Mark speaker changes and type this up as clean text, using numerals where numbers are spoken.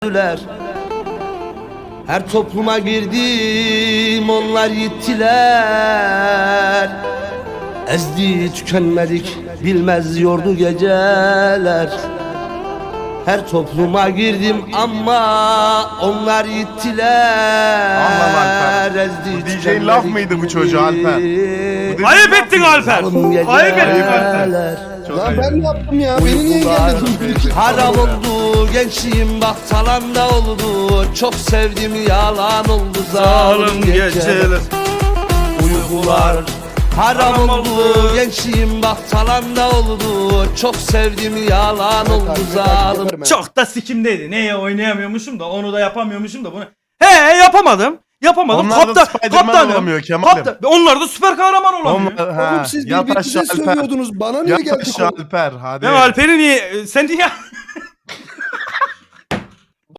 Speaker 1: öldüler. Her topluma girdim onlar gittiler. Ezdi tükenmedik bilmez yordu geceler. Her topluma girdim ama onlar gittiler.
Speaker 2: Allah
Speaker 1: Ezdi
Speaker 2: DJ'in laf mıydı bu çocuğa Alper?
Speaker 3: Ayıp ettin Alper. Ayıp ettin Alper.
Speaker 4: Lan ben ne yaptım ya? Beni niye engelledin?
Speaker 1: Haram oldu gençliğim bak talanda oldu. Çok sevdim yalan oldu zalim geceler. Uykular haram oldu gençliğim bak talanda oldu. Çok sevdim yalan oldu zalim.
Speaker 3: Çok da sikimdeydi. Neye oynayamıyormuşum da onu da yapamıyormuşum da bunu. He yapamadım. Yapamadım.
Speaker 2: Onlar da Spiderman olamıyor Kemal'im.
Speaker 3: Onlar da süper kahraman olamıyor.
Speaker 4: Oğlum siz birbirinize sövüyordunuz. Bana niye
Speaker 2: Yat
Speaker 4: geldik?
Speaker 2: aşağı Alper hadi.
Speaker 3: Ben Alper'i niye sen niye